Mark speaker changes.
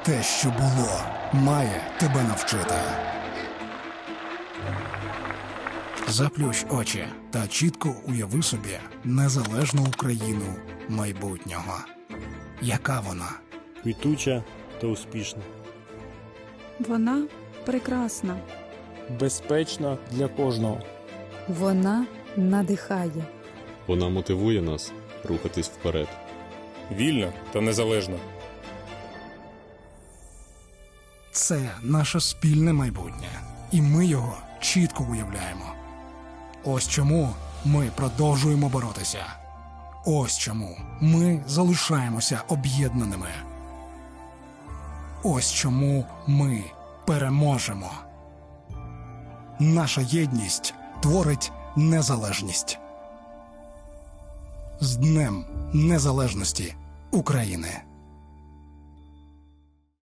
Speaker 1: Те, що було, має тебе навчити. Заплющ очі та чітко уяви собі незалежну Україну майбутнього. Яка вона?
Speaker 2: Квітуча та успішна.
Speaker 3: Вона прекрасна.
Speaker 4: Безпечна для кожного.
Speaker 3: Вона надихає.
Speaker 5: Вона мотивує нас рухатись вперед.
Speaker 4: Вільна та незалежна.
Speaker 1: Це наше спільне майбутнє, і ми його чітко уявляємо. Ось чому ми продовжуємо боротися. Ось чому ми залишаємося об'єднаними. Ось чому ми переможемо. Наша єдність творить незалежність. З Днем Незалежності України!